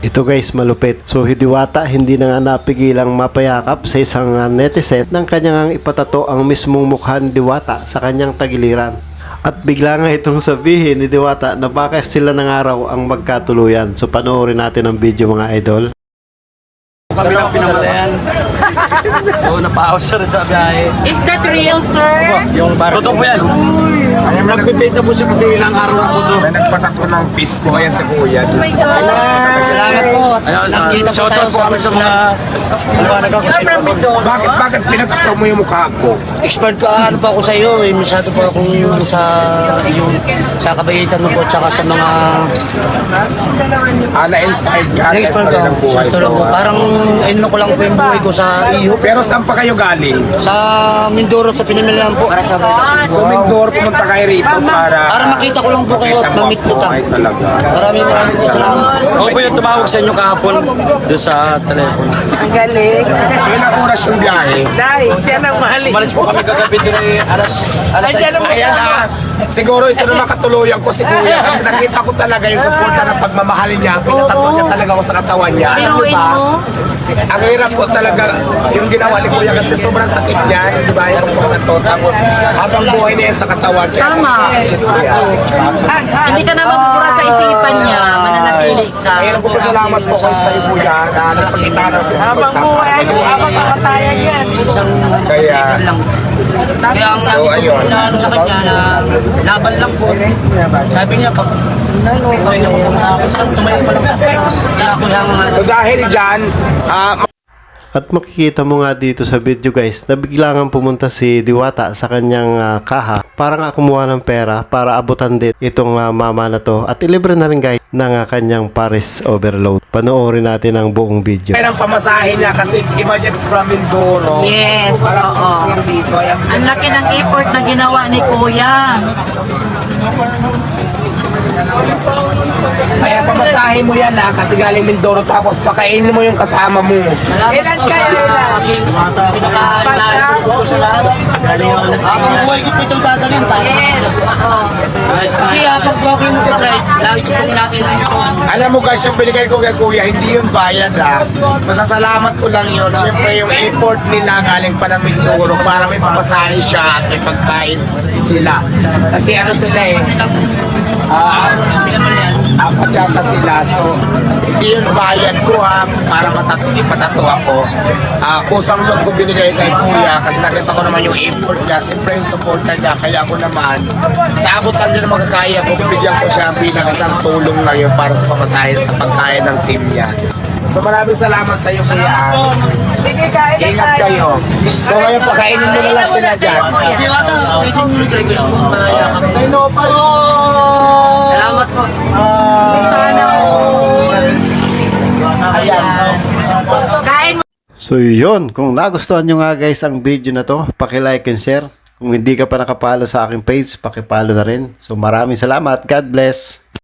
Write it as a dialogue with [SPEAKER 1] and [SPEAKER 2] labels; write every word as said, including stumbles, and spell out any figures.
[SPEAKER 1] Ito guys, malupit. So Diwata hindi na nga napigilang mapayakap sa isang uh, netizen ng kanyang ipatato ang mismong mukha ni Diwata sa kanyang tagiliran. At bigla nga itong sabihin ni Diwata na baka sila ng araw ang magkatuluyan. So panoorin natin ang video mga idol.
[SPEAKER 2] Kami lang pinamalayan. Oo, napahawas siya rin sa biyahe.
[SPEAKER 3] Is that real, sir?
[SPEAKER 2] Yung bar. Totoo po yan. Nag-debate na po siya kasi ilang araw na po to.
[SPEAKER 4] May nagpatakbo ng pisko, ayan sa kuya.
[SPEAKER 3] Oh my God.
[SPEAKER 5] Salamat po.
[SPEAKER 2] Ayun,
[SPEAKER 5] Nakikita po
[SPEAKER 2] shoutout
[SPEAKER 5] tayo
[SPEAKER 2] po kami sa mga kumpanag ako sa inyo.
[SPEAKER 4] Bakit, bakit pinatakbo mo yung mukha ko?
[SPEAKER 5] expert ka ano pa ako sa iyo. Eh, masyado po akong sa yung sa kabaitan mo po tsaka sa mga
[SPEAKER 4] Ah, na-inspired ka sa
[SPEAKER 5] expert
[SPEAKER 4] story
[SPEAKER 5] ko.
[SPEAKER 4] ng buhay
[SPEAKER 5] Sa
[SPEAKER 4] ko.
[SPEAKER 5] po. Parang ano ko lang po yung buhay ko sa iyo.
[SPEAKER 4] Pero saan pa kayo galing?
[SPEAKER 5] Sa Mindoro sa Pinamilan po. Para sa
[SPEAKER 4] So, Mindoro, pumunta kayo rito para...
[SPEAKER 5] Para makita ko lang po kayo at
[SPEAKER 4] Makita mo
[SPEAKER 5] mamit ko
[SPEAKER 4] ako.
[SPEAKER 5] ta.
[SPEAKER 4] Ay, talaga.
[SPEAKER 5] Maraming maraming po salamat.
[SPEAKER 2] Ako po yung tumawag sa inyo kahapon doon sa telepono.
[SPEAKER 3] Ang galing.
[SPEAKER 4] Ilang oras yung biyahe?
[SPEAKER 3] Dahil siya nang mahali.
[SPEAKER 2] Umalis po kami kagabi doon ay alas alas
[SPEAKER 3] Andiyan ang
[SPEAKER 4] Ayan ah, siguro ito na makatuluyan ko si kuya kasi nakita ko talaga yung suporta ng pagmamahalin niya. Pinatato niya talaga ako sa katawan niya. Alam niyo
[SPEAKER 3] Biruin
[SPEAKER 4] ba?
[SPEAKER 3] mo.
[SPEAKER 4] Ang hirap ko talaga yung ginawa ni kuya kasi sobrang sakit niya. Di ba? Yung pagkakato. Tapos habang buhay niya yan sa katawan. Kaya
[SPEAKER 3] Tama.
[SPEAKER 4] kuya.
[SPEAKER 3] Hindi ka na mapupura sa isipan niya. Mananatili ka.
[SPEAKER 4] Kaya nagpapasalamat po ko sa iyo kuya na nagpakita ng suporta.
[SPEAKER 3] Habang buhay, habang kakatayan yan.
[SPEAKER 5] Isang
[SPEAKER 4] Kaya
[SPEAKER 5] lang. Kaya ang
[SPEAKER 4] So,
[SPEAKER 5] lagi
[SPEAKER 4] ayun.
[SPEAKER 5] ko na ano sa kanya na laban lang po. Sabi niya pag ano, kaya niya ko makakasal, tumayo pa lang. Kaya ako lang
[SPEAKER 4] so dahil dyan, ah,
[SPEAKER 1] At makikita mo nga dito sa video guys na biglangan pumunta si Diwata sa kanyang uh, kaha para nga kumuha ng pera para abutan din itong uh, mama na to at ilibre na rin guys ng uh, kanyang Paris overload. Panoorin natin ang buong video.
[SPEAKER 4] ang pamasahe niya kasi imagine from Mindoro.
[SPEAKER 3] Yes,
[SPEAKER 4] Parang
[SPEAKER 3] oo.
[SPEAKER 4] lang dito. Ayan.
[SPEAKER 3] Ang laki ng effort na ginawa ni Kuya.
[SPEAKER 4] Kaya pamasahe mo yan ha, kasi galing Mindoro tapos pakainin mo yung kasama mo.
[SPEAKER 3] Ilan kayo? Ilan?
[SPEAKER 5] Habang buhay ko po itong dadalhin pa.
[SPEAKER 3] Yes. Oo.
[SPEAKER 5] Kasi habang buhay mo ko drive, lagi ko pong natin
[SPEAKER 4] Alam mo guys, yung binigay ko kay kuya, hindi yun bayad ha. Masasalamat ko lang yun. Siyempre yung effort nila galing pa ng Mindoro para may pamasahe siya at may pagkain sila. Kasi ano sila eh, ah, apat yata sila. So, hindi yun bayad ko ha, para matatu ipatato ako. Ah, kusang loob ko binigay kay kuya kasi nakita ko naman yung effort niya. Siyempre yung support niya, kaya ako naman, sa abot lang din na magkakaya ko, bibigyan ko siya bilang isang tulong ngayon para sa pamasahe sa pagkain ng team niya. So maraming salamat sa iyo kuya. Ingat kayo. So ngayon pakainin mo na lang sila dyan.
[SPEAKER 5] Diwata, pwede mo nag-request mo na yakap. Salamat po.
[SPEAKER 3] Sana
[SPEAKER 4] Ayan.
[SPEAKER 3] kain mo.
[SPEAKER 1] So yun, kung nagustuhan nyo nga guys ang video na to, paki-like and share. Kung hindi ka pa nakapalo sa aking page, paki-follow na rin. So maraming salamat. God bless.